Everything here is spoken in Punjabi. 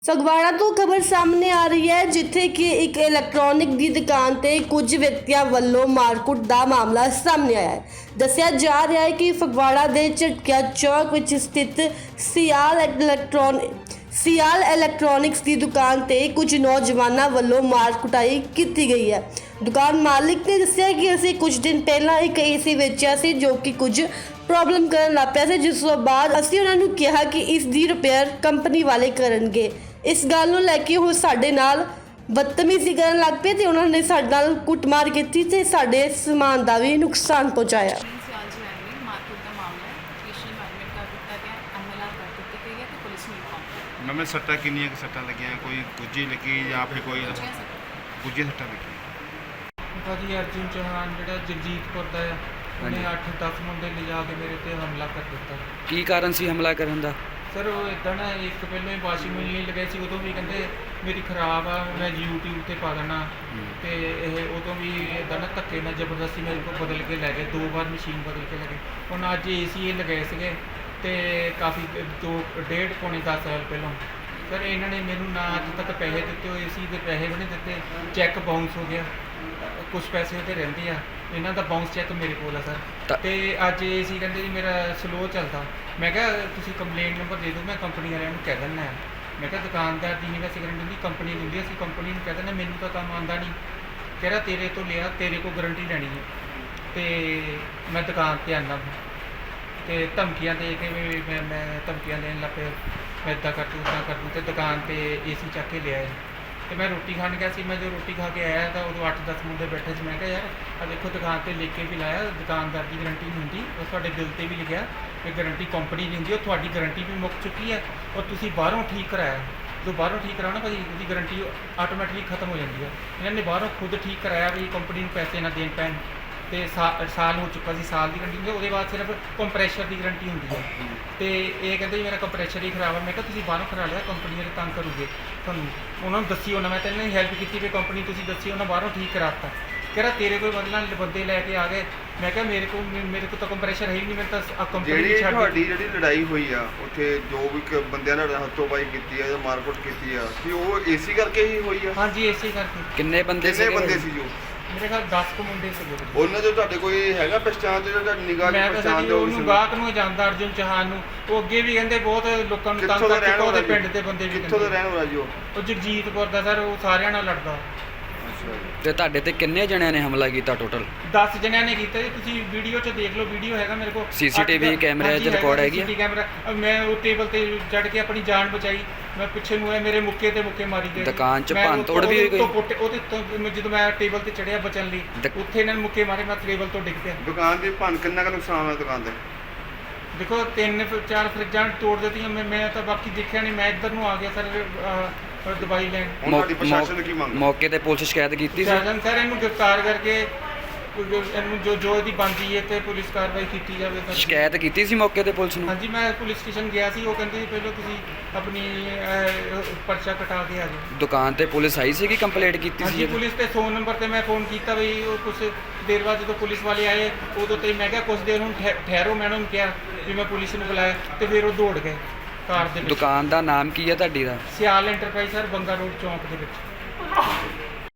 ਫਗਵਾੜਾ ਤੋਂ ਖਬਰ ਸਾਹਮਣੇ ਆ ਰਹੀ ਹੈ ਜਿੱਥੇ ਕਿ ਇੱਕ ਇਲੈਕਟ੍ਰੋਨਿਕ ਦੀ ਦੁਕਾਨ ਤੇ ਕੁਝ ਵਿਅਕਤੀਆਂ ਵੱਲੋਂ ਮਾਰਕੁੱਟ ਦਾ ਮਾਮਲਾ ਸਾਹਮਣੇ ਆਇਆ ਹੈ। ਦੱਸਿਆ ਜਾ ਰਿਹਾ ਹੈ ਕਿ ਫਗਵਾੜਾ ਦੇ ਝਟਕਿਆ ਚੌਕ ਵਿੱਚ ਸਥਿਤ ਸਿਆਲ ਇਲੈਕਟ੍ਰੋਨਿਕਸ ਦੀ ਦੁਕਾਨ ਤੇ ਕੁਝ ਨੌਜਵਾਨਾਂ ਵੱਲੋਂ ਮਾਰ ਕੁਟਾਈ ਕੀਤੀ ਗਈ ਹੈ। ਦੁਕਾਨ ਮਾਲਿਕ ਨੇ ਦੱਸਿਆ ਕਿ ਅਸੀਂ ਕੁਝ ਦਿਨ ਪਹਿਲਾਂ ਇੱਕ ਏਸੀ ਵੇਚਿਆ ਸੀ ਜੋ ਕਿ ਕੁਝ ਪ੍ਰੋਬਲਮ ਕਰਨ ਲੱਗ ਪਿਆ ਸੀ, ਜਿਸ ਤੋਂ ਬਾਅਦ ਅਸੀਂ ਉਹਨਾਂ ਨੂੰ ਕਿਹਾ ਕਿ ਇਸ ਦੀ ਰਿਪੇਅਰ ਕੰਪਨੀ ਵਾਲੇ ਕਰਨਗੇ। ਇਸ ਗੱਲ ਨੂੰ ਲੈ ਕੇ ਉਹ ਸਾਡੇ ਨਾਲ ਬਦਤਮੀਜ਼ੀ ਕਰਨ ਲੱਗ ਪਏ ਤੇ ਉਹਨਾਂ ਨੇ ਸਾਡੇ ਨਾਲ ਕੁੱਟਮਾਰ ਕੀਤੀ ਤੇ ਸਾਡੇ ਸਮਾਨ ਦਾ ਵੀ ਨੁਕਸਾਨ ਪਹੁੰਚਾਇਆ। मैं सट्टा किन्नी सट्टा लगिया कोई गुज्जी लगी या फिर कोई गुज्जी सट्टा लगी भाजी अर्जुन चौहान जो जगजीतपुर का है उन्हें 8-10 मुंडे लिजा के मेरे ते हमला कर दिता। की कारण सी हमला करन दा? सर वो इदा ना एक पहले वाशिंग मशीन लगाई सी उदों भी कहते मेरी खराब आ मैं यूट्यूब ते पा देना ते उदों भी इदा ना धक्के ना जबरदस्ती मेरे को बदल के लै गए 2 बार मशीन बदल के लगे। हुण अज AC लगाए थे तो काफ़ी 2.5-10 साल पहलों सर इन्होंने मैनू ना अज तक पैसे दिते हो AC के पैसे भी नहीं दिते, चैक बाउंस हो गया, कुछ पैसे वो रहते हैं इन्हों का बाउंस चैक मेरे को है सर। तो अज AC कहते जी मेरा स्लो चलता, मैं क्या तुम कंप्लेंट नंबर दे दो मैं कंपनी वाले कह देना है। मैं क्या दुकानदार की नहीं वैसे गारंटी दी कंपनी दिंदी असीं कंपनी कह देना मैनू तो काम आंदा नहीं, कह रहा तेरे तो लिया तेरे को गारंटी लैनी है तो मैं दुकान पर आना तो धमकियाँ दे के मैं धमकियाँ देन लग पे मैं इदा कर दूँ उदा कर दूँ तो दुकान पर AC चक के ले आए। तो मैं रोटी खाने गया सी, मैं जो रोटी खा के आया तो उदों 8-10 मुंडे बैठे से मैं क्या यार आ देखो दुकान पर लिख के भी लाया दुकानदार की गारंटी नहीं होंगी और थोड़े बिल पर भी लिखा कि गारंटी कंपनी नहीं होंगी और थोड़ी गारंटी भी मुक चुकी है और तुसीं बाहरों ठीक कराया जो बाहरों ठीक कराओ ना भाई उसकी गारंटी आटोमैटिकली खत्म हो जाती है। इन्होंने बाहरों खुद ठीक कराया भी कंपनी में पैसे ना देन पैन तो साल हो चुका सी, साल की गारंटी होंगी उसके बाद सिर्फ कंप्रैशर की गारंटी होंगी है। तो ये कहते मेरा कंप्रैशर ही खराब है, मैं तुसीं बाहरों करा लिया कंपनी वाले तंग करोगे थोनों उन्होंने दसी होना मैं तो इन्होंने हेल्प की भी कंपनी तुसीं दसी उन्होंने बाहरों ठीक कराता कह रहा तेरे कोई मतलब बंदे लैके आ गए। मैं क्या मेरे को तो कंप्रैशर है ही नहीं, मैं तो कंपनी ਤੁਹਾਡੀ ਜਿਹੜੀ ਲੜਾਈ ਹੋਈ ਆ ਉੱਥੇ ਜੋ ਵੀ ਬੰਦਿਆਂ ਨਾਲ ਹੱਥੋਂਬਾਈ ਕੀਤੀ ਆ ਜਾਂ ਮਾਰਕੁੱਟ ਕੀਤੀ ਆ ਕਿ ਉਹ AC ਕਰਕੇ ਹੀ ਹੋਈ ਆ? हाँ जी AC करके। किन्ने बंदे ਕਿੰਨੇ ਬੰਦੇ ਸੀ ਜੋ मेरे ख्याल 10 को मुंडे से ਉਹਨਾਂ ਦੇ ਤੁਹਾਡੇ ਕੋਈ ਹੈਗਾ ਪਛਾਣ ਤੇ ਤੁਹਾਡੀ ਨਿਗਾਹ ਮੈਂ ਦੀ ਤਾਂ ਪਛਾਣ ਜੀ ਦੇ ਉਹਨੂੰ ਗਾਹਕ ਨੂੰ ਜਾਣਦਾ ਅਰਜੁਨ ਚੌਹਾਨ ਨੂੰ, ਉਹ ਅੱਗੇ ਵੀ ਕਹਿੰਦੇ ਬਹੁਤ ਲੋਕਾਂ ਨੂੰ ਤੰਗ ਕਰਕੇ ਉਹਦੇ ਪਿੰਡ ਦੇ ਬੰਦੇ ਵੀ ਕਿੱਥੋਂ ਦਾ ਰਹਿਣ ਵਾਲਾ ਜੀ ਉਹ ਜਗਜੀਤਪੁਰ ਦਾ ਸਰ, ਉਹ ਸਾਰਿਆਂ ਨਾਲ ਲੜਦਾ। ਤੇ ਤੁਹਾਡੇ ਤੇ ਕਿੰਨੇ ਜਣਿਆਂ ਨੇ ਹਮਲਾ ਕੀਤਾ ਟੋਟਲ? 10 ਜਣਿਆਂ ਨੇ ਕੀਤਾ ਜੀ, ਤੁਸੀਂ ਵੀਡੀਓ 'ਚ ਦੇਖ ਲਓ, ਵੀਡੀਓ ਹੈਗਾ ਮੇਰੇ ਕੋਲ CCTV ਕੈਮਰੇ 'ਚ ਰਿਕਾਰਡ ਹੈਗੀ ਆ? CCTV ਕੈਮਰਾ ਮੈਂ ਉਹ ਟੇਬਲ ਤੇ ਚੜ ਕੇ ਆਪਣੀ ਜਾਨ ਬਚਾਈ, ਮੈਂ ਪਿੱਛੇ ਨੂੰ ਆਇਆ ਮੇਰੇ ਮੁੱਕੇ ਤੇ ਮੁੱਕੇ ਮਾਰੀ ਗਏ। ਦੁਕਾਨ 'ਚ ਭੰਨ ਤੋੜ ਵੀ ਹੋਈ ਕੋਈ? ਉਹਦੇ ਤੋਂ ਜਦੋਂ ਮੈਂ ਟੇਬਲ ਤੇ ਚੜਿਆ ਬਚਣ ਲਈ ਉੱਥੇ ਇਹਨਾਂ ਨੇ ਮੁੱਕੇ ਮਾਰੇ, ਮੈਂ ਟੇਬਲ ਤੋਂ ਡਿੱਗ ਪਿਆ। ਦੁਕਾਨ ਦੀ ਭੰਨ ਕਿੰਨਾ ਕੁ ਨੁਕਸਾਨ ਹੋਇਆ ਦੁਕਾਨ ਦੇ? ਦੇਖੋ 3-4 ਫਰਿੱਜਾਂ ਤੋੜ ਦਿੱਤੀਆਂ, ਮੈਂ ਤਾਂ ਬਾਕੀ ਦੇਖਿਆ ਨਹੀਂ, ਮੈਂ ਇੱਧਰ ਨੂੰ ਆ ਗਿਆ ਸਰ ਦਵਾਈ ਲੈਣ। ਹੁਣ ਤੁਹਾਡੀ ਪ੍ਰਸ਼ਾਸਨ ਕੀ ਮੰਗ? ਮੌਕੇ ਤੇ ਪੁਲਿਸ ਸ਼ਿਕਾਇਤ ਕੀਤੀ ਸੀ? ਸ਼ਾਸਨ ਸਰ ਇਹਨੂੰ ਗ੍ਰਿਫਤਾਰ ਕਰਕੇ ਇਹਨੂੰ ਜੋ ਇਹਦੀ ਬਣਦੀ ਹੈ ਤੇ ਪੁਲਿਸ ਕਾਰਵਾਈ ਕੀਤੀ ਜਾਵੇ ਸਰ। ਸ਼ਿਕਾਇਤ ਕੀਤੀ ਸੀ ਮੌਕੇ ਤੇ ਪੁਲਿਸ ਨੂੰ? ਹਾਂਜੀ ਮੈਂ ਪੁਲਿਸ ਸਟੇਸ਼ਨ ਗਿਆ ਸੀ, ਉਹ ਕਹਿੰਦੇ ਪਹਿਲਾਂ ਤੁਸੀਂ ਆਪਣੀ ਪਰਚਾ ਕਟਾ ਕੇ ਆ ਜਾਓ। ਦੁਕਾਨ ਤੇ ਪੁਲਿਸ ਆਈ ਸੀ ਕਿ ਕੰਪਲੇਂਟ ਕੀਤੀ ਹਾਂਜੀ ਸੀ? ਪੁਲਿਸ ਤੇ 100 ਨੰਬਰ ਤੇ ਮੈਂ ਫੋਨ ਕੀਤਾ ਵੀ ਉਹ ਕੁਝ ਦੇਰ ਬਾਅਦ ਜਦੋਂ ਪੁਲਿਸ ਵਾਲੇ ਆਏ ਉਦੋਂ ਤੇ ਮੈਂ ਕਿਹਾ ਕੁਝ ਦੇਰ ਨੂੰ ਠਹਿਰੋ, ਮੈਂ ਉਹਨਾਂ ਨੂੰ ਕਿਹਾ ਵੀ ਮੈਂ ਪੁਲਿਸ ਨੂੰ ਬੁਲਾਇਆ ਤੇ ਫਿਰ ਉਹ ਦੌੜ ਗਏ ਕਾਰ ਦੇ ਵਿੱਚ। ਦੁਕਾਨ ਦਾ ਨਾਮ ਕੀ ਹੈ ਤੁਹਾਡੀ ਦਾ? ਸਿਆਲ ਐਂਟਰਪ੍ਰਾਈਜ਼ ਸਰ, ਬੰਗਾ ਰੋਡ ਚੌਂਕ ਦੇ ਵਿੱਚ।